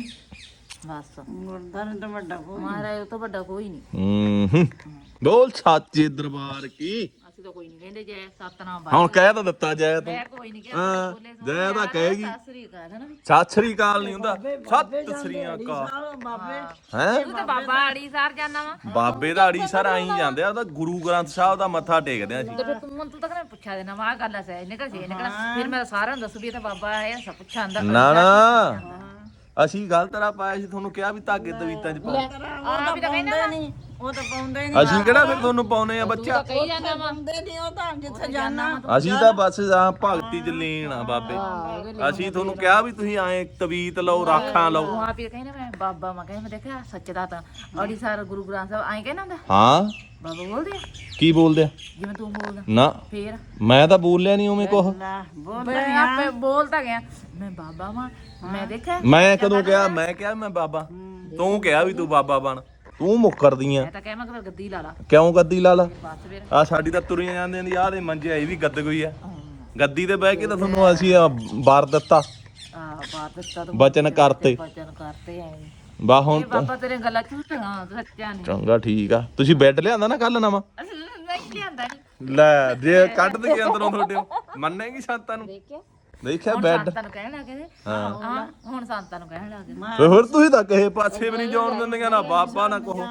S3: ਬਸ।
S2: ਗੁਰਦਾਰੇ ਤਾਂ ਵੱਡਾ ਕੋ
S3: ਮਹਾਰਾਜ ਉਹ ਤੋਂ ਵੱਡਾ ਕੋਈ ਨਹੀਂ।
S1: ਹੂੰ ਬੋਲ ਸੱਚੇ ਦਰਬਾਰ ਕੀ।
S3: ਅਸੀਂ ਤਾਂ ਕੋਈ ਨਹੀਂ ਕਹਿੰਦੇ ਜੈ ਸਤਨਾਮ
S1: ਹੁਣ ਕਹਿ ਤਾਂ ਦਿੱਤਾ ਜੈ ਤੂੰ।
S3: ਮੈਂ ਕੋਈ ਨਹੀਂ
S1: ਹਾਂ ਜੈ ਤਾਂ ਕਹੇਗੀ।
S3: ਸਾਸਰੀ ਕਾ ਹੈ ਨਾ ਵੀ
S1: ਸਤਿ ਸ੍ਰੀ ਅਕਾਲ ਨਹੀਂ ਹੁੰਦਾ, ਸਤਿ ਸ੍ਰੀ ਅਕਾਲ
S2: ਬਾਬੇ
S1: ਹੈ।
S3: ਤੂੰ ਤਾਂ ਬਾਬਾ ਆੜੀ ਸਾਰ ਜਾਣਾ ਵਾ
S1: ਬਾਬੇ ਦਾ ਅੜੀ ਸਰ ਆਈ ਜਾਂਦੇ ਆ, ਉਹਦਾ ਗੁਰੂ ਗ੍ਰੰਥ ਸਾਹਿਬ ਦਾ ਮੱਥਾ ਟੇਕਦੇ ਆ ਅਸੀਂ।
S3: ਤੇ ਫਿਰ ਤੂੰ ਮੈਨੂੰ ਤਾਂ ਕਹਿੰਦਾ ਪੁੱਛਿਆ ਦੇਣਾ ਵਾ ਆਹ ਗੱਲ ਐ ਸਹਿ ਨਿਕਲ ਜੇ ਨਿਕਲ ਫਿਰ ਮੈਂ ਸਾਰਿਆਂ ਨੂੰ ਦੱਸੂ ਵੀ ਇਹ ਤਾਂ ਬਾਬਾ ਆਇਆ ਸਭ ਪੁੱਛਾਂ ਅੰਦਰ
S1: ਨਾ ਨਾ ਅਸੀਂ ਗਲਤ ਰਾਹ ਪਾਇਆ ਸੀ, ਤੁਹਾਨੂੰ ਕਿਹਾ ਵੀ ਧਾਗੇ ਤਵੀਤਾਂ ਚ ਪਾਓ।
S3: ਆ ਵੀ ਤਾਂ ਕਹਿੰਦਾ
S2: ਨਹੀਂ ਉਹ ਤਾਂ ਪਾਉਂਦੇ ਨਹੀਂ
S1: ਅਸੀਂ ਕਿਹੜਾ ਫਿਰ ਤੁਹਾਨੂੰ ਪਾਉਨੇ ਆ ਬੱਚਾ?
S3: ਕਹੀ ਜਾਂਦਾ ਵਾ
S2: ਪਾਉਂਦੇ ਨਹੀਂ ਉਹ ਤਾਂ ਜਿੱਥੇ ਜਾਣਾ
S1: ਅਸੀਂ ਤਾਂ ਬਸ ਆ ਭਗਤੀ ਚ ਲੀਨ ਆ ਬਾਬੇ। ਅਸੀਂ ਤੁਹਾਨੂੰ ਕਿਹਾ ਵੀ ਤੁਸੀਂ ਐ ਤਵੀਤ ਲਓ, ਰਾਖਾਂ ਲਓ।
S3: ਤੂੰ ਆਪ ਹੀ ਕਹਿੰਦਾ ਮੈਂ ਬਾਬਾ ਮੈਂ ਕਹਿੰਦਾ ਮੈਂ ਦੇਖਿਆ ਸੱਚ ਦਾ ਤਾਂ ਅੜੀ ਸਾਰ ਗੁਰੂ ਗ੍ਰੰਥ ਸਾਹਿਬ ਐਂ ਕਹਿੰਦਾ ਹੁੰਦਾ
S1: ਹਾਂ
S3: ਬਾਬਾ ਬੋਲਦੇ ਆ
S1: ਕੀ ਬੋਲਦੇ ਆ?
S3: ਜਿਵੇਂ ਤੂੰ ਬੋਲਦਾ
S1: ਨਾ
S3: ਫੇਰ
S1: ਮੈਂ ਤਾਂ ਬੋਲਿਆ ਨਹੀਂ ਉਵੇਂ ਕੁਛ।
S2: ਬੋਲ
S3: ਮੈਂ ਆਪੇ ਬੋਲਦਾ ਗਿਆ ਮੈਂ ਬਾਬਾ ਵਾਂ ਮੈਂ ਦੇਖਿਆ
S1: ਮੈਂ ਕਦੋਂ ਕਿਹਾ? ਮੈਂ ਕਿਹਾ ਮੈਂ ਬਾਬਾ, ਤੂੰ ਕਿਹਾ ਵੀ ਤੂੰ ਬਾਬਾ ਬਣ। ਤੂੰ ਮੁੱਕਰਦੀ ਆ
S3: ਮੈਂ ਤਾਂ ਕਹਿ ਮੈਂ ਕਿਹਾ ਗੱਦੀ ਲਾ ਲਾ
S1: ਕਿਉਂ? ਗੱਦੀ ਲਾ ਲਾ।
S3: ਬਸ ਫਿਰ
S1: ਆ ਸਾਡੀ ਤਾਂ ਤੁਰੀਆਂ ਜਾਂਦੀਆਂ ਦੀ, ਆਹ ਦੇ ਮੰਜੇ ਇਹ ਵੀ ਗੱਦ ਗਈ ਆ। ਗੱਦੀ ਤੇ ਬਹਿ ਕੇ ਤਾਂ ਤੁਹਾਨੂੰ ਅਸੀਂ ਆ ਵਾਰ ਦਿੱਤਾ,
S3: ਆ ਬਾਤ ਦਿੱਤਾ ਤੂੰ
S1: ਬਚਨ ਕਰਤੇ।
S3: ਬਚਨ ਕਰਤੇ ਐ
S1: ਬਾ ਹੁਣ
S3: ਇਹ ਬਾਬਾ ਤੇਰੇ ਗੱਲਾਂ ਝੂਠੀਆਂ ਸੱਚਾ ਨਹੀਂ
S1: ਚੰਗਾ ਠੀਕ ਆ। ਤੁਸੀਂ ਬੈੱਡ ਲਿਆਂਦਾ ਨਾ ਕੱਲ ਨਵਾਂ?
S3: ਅਸੀਂ ਨਹੀਂ ਲਿਆਂਦਾ ਨਹੀਂ
S1: ਲੈ ਜੇ ਕੱਢ ਦੇ ਅੰਦਰੋਂ ਤੁਹਾਡੇ ਮੰਨੇਗੀ ਸੰਤਾਂ ਨੂੰ?
S3: ਦੇਖਿਆ
S1: ਦੇਖਿਆ
S3: ਹੁਣ
S1: ਬੈੱਡ।
S3: ਸੰਤਾਂ ਨੂੰ ਕਹਿਣ ਲੱਗੇ ਹਾਂ ਹੁਣ ਸੰਤਾਂ ਨੂੰ ਕਹਿਣ ਲੱਗੇ
S1: ਤੇ ਹੋਰ ਤੁਸੀਂ ਤਾਂ ਕਿਸੇ ਪਾਸੇ ਵੀ ਨਹੀਂ ਜਾਣ ਦਿੰਦੀਆਂ, ਨਾ ਬਾਬਾ ਨਾ ਕਹੋ।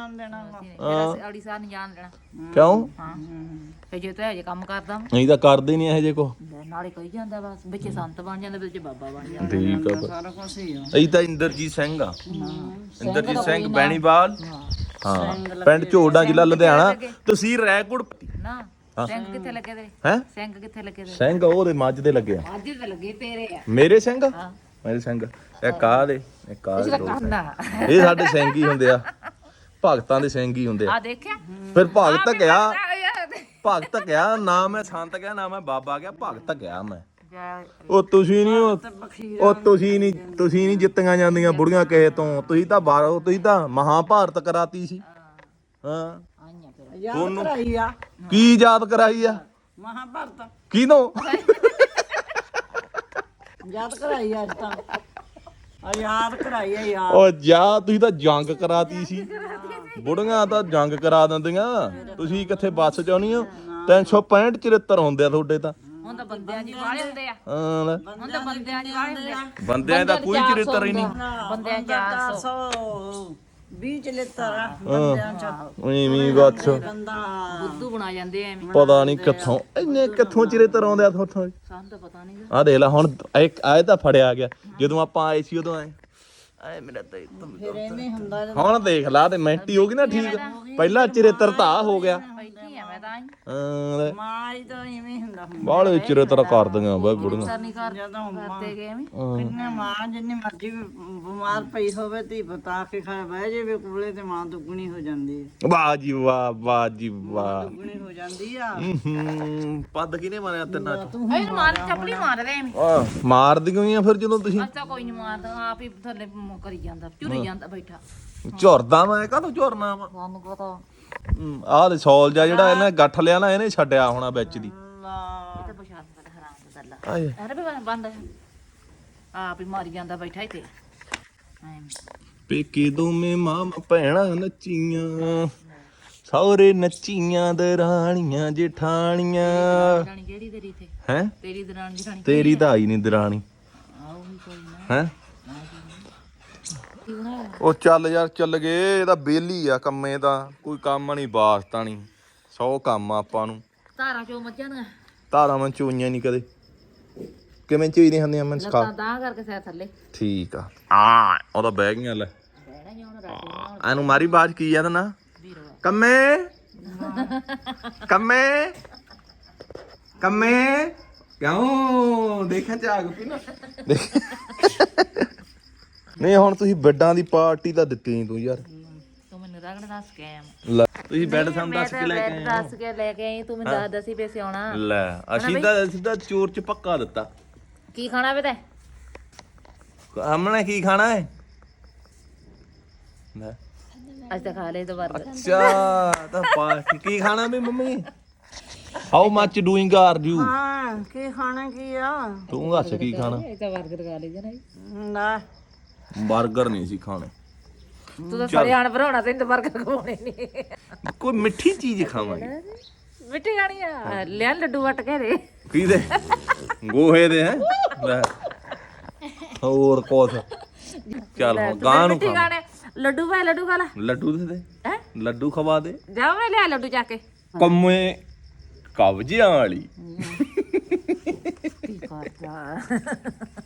S3: ਫਿਰ ਅੜੀ ਸਾਰ ਨਹੀਂ ਜਾਣ ਦੇਣਾ
S1: ਕਿਉਂ?
S3: ਹਾਂ ਫੇ ਜੇ ਤੂੰ ਇਹ ਜੇ ਕੰਮ ਕਰਦਾ ਵਾਂ,
S1: ਨਹੀਂ ਤਾਂ ਕਰਦੇ ਨਹੀਂ ਇਹੋ ਜੇ ਕੋ।
S3: ਲੈ ਨਾਲੇ ਕਹੀ ਜਾਂਦਾ ਬਸ ਵਿੱਚ ਸੰਤ ਬਣ ਜਾਂਦਾ ਵਿੱਚ ਬਾਬਾ ਬਣ ਜਾਂਦਾ
S1: ਠੀਕ ਆ
S2: ਸਾਰਾ ਕੁਝ ਹੀ ਆ
S1: ਅਸੀਂ ਤਾਂ ਇੰਦਰਜੀਤ ਸਿੰਘ ਆ। ਇੰਦਰਜੀਤ ਸਿੰਘ ਬੈਣੀਵਾਲ, ਹਾਂ ਪਿੰਡ ਝੋੜਾ ਜ਼ਿਲ੍ਹਾ ਲੁਧਿਆਣਾ, ਤਹਿਸੀਲ ਰੈਕੋਟ।
S3: ਨਾ ਸਿੰਘ ਕਿੱਥੇ ਲੱਗੇ ਤੇਰੇ?
S1: ਹੈ
S3: ਸਿੰਘ ਕਿੱਥੇ ਲੱਗੇ ਤੇਰੇ?
S1: ਸਿੰਘ ਉਹਦੇ ਮੱਝ ਦੇ ਲੱਗੇ ਆ।
S3: ਅੱਜ ਤੇ ਲੱਗੇ ਤੇਰੇ ਆ
S1: ਮੇਰੇ ਸਿੰਘ?
S3: ਹਾਂ
S1: ਮੇਰੇ ਸਿੰਘ ਇੱਕ ਆ ਦੇ ਇੱਕ ਆ ਦੇ ਦੋ।
S3: ਕਰਨਾ
S1: ਇਹ ਸਾਡੇ ਸਿੰਘ ਹੀ ਹੁੰਦੇ ਆ, ਭਗਤਾਂ ਦੇ ਸਿੰਘ ਹੀ ਹੁੰਦੇ ਆ।
S3: ਆ ਦੇਖਿਆ
S1: ਫਿਰ ਭਗਤ ਗਿਆ, ਭਗਤ ਗਿਆ ਨਾ ਮੈਂ ਸੰਤ ਗਿਆ ਨਾ ਮੈਂ ਬਾਬਾ ਗਿਆ, ਭਗਤ ਗਿਆ ਮੈਂ। ਉਹ ਤੁਸੀਂ ਨਹੀਂ ਉਹ ਉਹ ਤੁਸੀਂ ਨਹੀਂ ਤੁਸੀਂ ਨਹੀਂ ਜਿੱਤੀਆਂ ਜਾਂਦੀਆਂ ਬੁੜੀਆਂ ਕਿਸੇ ਤੋਂ। ਤੁਸੀਂ ਤਾਂ ਬਾਹਰੋਂ, ਤੁਸੀਂ ਤਾਂ ਮਹਾਭਾਰਤ ਕਰਾਤੀ ਸੀ। ਹਾਂ
S3: ਆਈਆਂ ਫਿਰ
S2: ਯਾਦ ਕਰਾਈ ਆ
S1: ਕੀ ਯਾਦ ਕਰਾਈ ਆ?
S2: ਮਹਾਭਾਰਤ
S1: ਕਿਹਨੂੰ?
S2: ਯਾਦ ਕਰਾਈ ਆ ਅੱਜ ਤਾਂ ਆ ਯਾਦ ਕਰਾਈ ਆ ਯਾਦ
S1: ਉਹ ਜਾ ਤੁਸੀਂ ਤਾਂ ਜੰਗ ਕਰਾਤੀ ਸੀ। ਬੁੜੀਆਂ ਤਾਂ ਜੰਗ ਕਰਾ ਦਿੰਦੀਆਂ, ਤੁਸੀਂ ਕਿੱਥੇ ਬੱਸ ਚ ਆਉਣੀ ਹੋ? ਤਿੰਨ ਸੌ ਪੈਂਹਠ ਚੁਹੱਤਰ ਹੁੰਦੇ ਆ ਤੁਹਾਡੇ ਤਾਂ।
S3: ਹੁਣ ਤਾਂ ਬੰਦਿਆਂ ਜੀ ਵਾਲੇ ਹੁੰਦੇ ਆ
S1: ਹਾਂ ਲੈ।
S3: ਹੁਣ ਤਾਂ ਬੰਦਿਆਂ ਜੀ ਵਾਲੇ ਹੁੰਦੇ ਆ
S1: ਬੰਦਿਆਂ ਦਾ ਕੋਈ ਚਰਿੱਤਰ ਹੀ ਨਹੀਂ।
S3: ਬੰਦਿਆਂ ਚਾਰ ਸੌ
S2: ਵੀਹ ਚਲਿੱਤਰ ਆ ਬੰਦਿਆਂ ਚ
S1: ਐਵੇਂ ਬੱਸ
S2: ਬੰਦਾ
S3: ਬੁੱਧੂ ਬਣਾ ਜਾਂਦੇ ਐ ਐਵੇਂ
S1: ਪਤਾ ਨਹੀਂ ਕਿੱਥੋਂ ਇੰਨੇ ਕਿੱਥੋਂ ਚਰਿੱਤਰ ਆਉਂਦੇ ਆ ਤੁਹਾਥੋਂ।
S3: ਸਾਨੂੰ ਤਾਂ ਪਤਾ ਨਹੀਂ
S1: ਆਹ ਦੇਖ ਲੈ ਹੁਣ ਇੱਕ ਆਏ ਤਾਂ ਫੜਿਆ ਗਿਆ, ਜਦੋਂ ਆਪਾਂ ਆਏ ਸੀ ਉਦੋਂ ਆਏ ਆਏ ਮੇਰਾ ਤਾਂ
S2: ਫਿਰ ਐਵੇਂ ਹੁੰਦਾ
S1: ਹੁਣ ਦੇਖ ਲਾ ਤੇ ਮਿੰਟੀ ਹੋ ਗਈ ਨਾ ਠੀਕ। ਪਹਿਲਾਂ ਚਰਿੱਤਰ ਤਾਂ ਆਹ ਹੋ ਗਿਆ।
S3: ਪਹਿਲਾਂ ਨਹੀਂ ਆ ਮੈਂ ਤਾਂ ਆਈ
S1: ਹਾਂ
S2: ਮਾਂ ਹੀ ਤਾਂ ਇਵੇਂ ਹੀ ਹੁੰਦਾ ਹੁੰਦਾ
S1: ਬਾਲੇ ਚਿਰੇ ਤਰ੍ਹਾਂ ਕਰਦੀਆਂ ਬਈ ਬੁੜੀਆਂ
S3: ਕਰਨੀ ਕਰ
S2: ਜਦੋਂ
S3: ਕਰਦੇ ਗਏ ਐਵੇਂ
S2: ਕਿੰਨੇ ਮਾਂ ਜਿੰਨੀ ਮਰਜ਼ੀ ਵੀ ਬਿਮਾਰ ਪਈ ਹੋਵੇ ਧੀ ਬਤਾ ਕੇ ਖਾ ਬਹਿ ਜਾਵੇ ਕੋਲੇ ਤੇ ਮਾਂ ਦੁੱਗਣੀ ਹੋ ਜਾਂਦੀ ਹੈ
S1: ਵਾਹ ਜੀ ਵਾਹ ਵਾਹ ਜੀ ਵਾਹ
S2: ਦੁੱਗਣੀ ਹੋ ਜਾਂਦੀ ਆ
S1: ਹੂੰ ਪੱਦ ਕਿਨੇ ਮਾਰਿਆ ਤਿੰਨਾਂ ਚ
S3: ਇਹ ਮਾਰ ਚੱਪਲੀ ਮਾਰਦੇ ਐਵੇਂ
S1: ਆ ਮਾਰਦੀਆਂ ਹੀ ਆ ਫਿਰ ਜਦੋਂ ਤੁਸੀਂ
S3: ਅੱਛਾ ਕੋਈ ਨਹੀਂ ਮਾਰਦਾ ਆਪ ਹੀ ਥੱਲੇ ਮ- ਕਰੀ ਜਾਂਦਾ ਝੁਰੀ ਜਾਂਦਾ ਬੈਠਾ
S1: ਝੁਰਦਾ ਮੈਂ ਕਾਹਤੋਂ ਝੁਰਨਾ ਵਾ
S3: ਸਾਨੂੰ ਪਤਾ
S1: ਆਹ ਦੇ ਸੌਲ ਜਾ ਜਿਹੜਾ ਇਹਨੇ ਗੱਠ ਲਿਆ ਨਾ ਇਹਨੇ ਛੱਡਿਆ ਹੋਣਾ ਵਿੱਚ ਦੀ
S3: ਇਹ ਤਾਂ ਪਛਾਣ ਪਤਾ ਹਰਾਮ ਦਾ ਗੱਲਾਂ
S1: ਆਏ
S3: ਅਰੇ ਵੀ ਬੰਦ ਆਪ ਹੀ ਮਾਰੀ ਜਾਂਦਾ ਬੈਠਾ ਇੱਥੇ ਐਵੇਂ
S1: ਪੇਕੇ ਦੋਵੇਂ ਮਾਂ ਭੈਣਾਂ ਨੱਚੀਆਂ ਸਹੁਰੇ ਨੱਚੀਆਂ ਦਰਾਣੀਆਂ ਜੇਠਾਣੀਆਂ
S3: ਦਰਾਣੀ ਕਿਹੜੀ ਤੇਰੀ ਇੱਥੇ
S1: ਹੈ
S3: ਤੇਰੀ ਦਰਾਣੀ ਜਠਾਣੀ
S1: ਤੇਰੀ ਤਾਂ ਆਈ ਨਹੀਂ ਦਰਾਣੀ
S3: ਆਉ ਵੀ ਕੋਈ ਨਾ
S1: ਹੈ
S3: ਕੀ ਬਣਾਇਆ
S1: ਉਹ ਚੱਲ ਯਾਰ ਚੱਲ ਗਏ ਇਹਦਾ ਬੇਲੀ ਆ ਕੰਮੇ ਦਾ ਕੋਈ ਕੰਮ ਨਹੀਂ ਵਾਸਤਾ ਨਹੀਂ ਸੌ ਕੰਮ ਆ ਆਪਾਂ ਨੂੰ
S3: ਧਾਰਾਂ ਚੋਂ ਮੱਝਾਂ ਦੀਆਂ
S1: ਧਾਰਾਂ ਮੈਂ ਚੋਈਆਂ ਨਹੀਂ ਕਦੇ ਕਿਵੇਂ ਚੋਈਆਂ ਹੁੰਦੀਆਂ ਮੈਂ ਸਿਖਾ
S3: ਲੱਤਾਂ ਤਾਂ ਕਰਕੇ ਸਿਰ ਥੱਲੇ
S1: ਠੀਕ ਆ ਆ ਉਹਦਾ ਬਹਿ ਗਈਆਂ ਲੈ
S3: ਬਹਿਣਾ ਹੀ ਹੁਣ ਰਾਤੀ ਨੂੰ
S1: ਇਹਨੂੰ ਮਾਰੀ ਬਾਜ ਕੀ ਆ ਨਾ
S3: ਵੀਰੋ
S1: ਕੰਮੇ ਕੰਮੇ ਕੰਮੇ ਕਿਉਂ ਦੇਖਾਂ ਝਾਗ ਪੀ ਨਾ ਦੇਖ। ਨਹੀਂ ਹੁਣ ਤੁਸੀਂ ਬੈੱਡਾਂ ਦੀ ਪਾਰਟੀ ਤਾਂ ਦਿੱਤੀ ਨਹੀਂ ਤੂੰ ਯਾਰ
S3: ਤੂੰ ਮੈਨੂੰ ਰਗੜ ਦੱਸ ਕੇ ਆਇਆ
S1: ਲੈ ਤੁਸੀਂ ਬੈੱਡ ਸਾਨੂੰ ਦੱਸ ਕੇ ਲੈ ਕੇ ਆਏ
S3: ਦੱਸ ਕੇ ਲੈ ਕੇ ਆਈ ਤੂੰ ਮੈਨੂੰ ਦੱਸ ਦਸੀ ਪੈਸੇ ਆਉਣਾ
S1: ਲੈ ਅਸੀਂ ਤਾਂ ਸਿੱਧਾ ਚੋਰ ਚ ਪੱਕਾ ਦਿੱਤਾ
S3: ਕੀ ਖਾਣਾ ਵੇ ਤੇ
S1: ਹਮਣੇ ਕੀ ਖਾਣਾ ਹੈ ਲੈ
S3: ਅੱਜ ਤਾਂ ਖਾ ਲਏ ਦੋ ਵਾਰ
S1: ਅੱਛਾ ਤਾਂ ਪਾਰਟੀ ਕੀ ਖਾਣਾ ਵੀ mummy how much doing are you
S2: ਹਾਂ ਕੀ ਖਾਣਾ ਕੀ ਆ
S1: ਤੂੰ ਦੱਸ ਕੀ ਖਾਣਾ
S3: ਇਹ ਤਾਂ ਬਰਗਰ ਖਾ ਲਈ ਜਨਾ
S2: ਨਾ
S1: 버ਗਰ ਨਹੀਂ ਸੀ ਖਾਣੇ
S3: ਤੂੰ ਤਾਂ ਸੜਿਆਣ ਬਣਾਉਣਾ ਤੈਨੂੰ ਤਾਂ ਬਰਗਰ ਖਵਾਉਣੇ ਨਹੀਂ
S1: ਕੋਈ ਮਿੱਠੀ ਚੀਜ਼ ਖਾਵਾਂਗੇ
S3: ਮਿੱਟੀ ਖਾਣੀ ਆ ਲਿਆ ਲੱਡੂ ਵੱਟ ਕੇ ਦੇ
S1: ਕੀ ਦੇ ਗੋਹੇ ਦੇ ਹੈ ਲੈ ਹੋਰ ਕੋਸ ਚੱਲ ਹੁਣ ਗਾਂ ਨੂੰ
S3: ਮਿੱਟੀ
S1: ਖਾ
S3: ਖਾਣੇ ਲੱਡੂ ਭਾਈ ਲੱਡੂ ਖਾ ਲੈ
S1: ਲੱਡੂ ਦੇ ਦੇ
S3: ਹੈ
S1: ਲੱਡੂ ਖਵਾ ਦੇ
S3: ਜਾ ਮੈਂ ਲਿਆ ਲੱਡੂ ਚੱਕ ਕੇ
S1: ਕੰਮੇ ਕਬਜ਼ਿਆਂ ਵਾਲੀ
S3: ਕੀ ਕਰਦਾ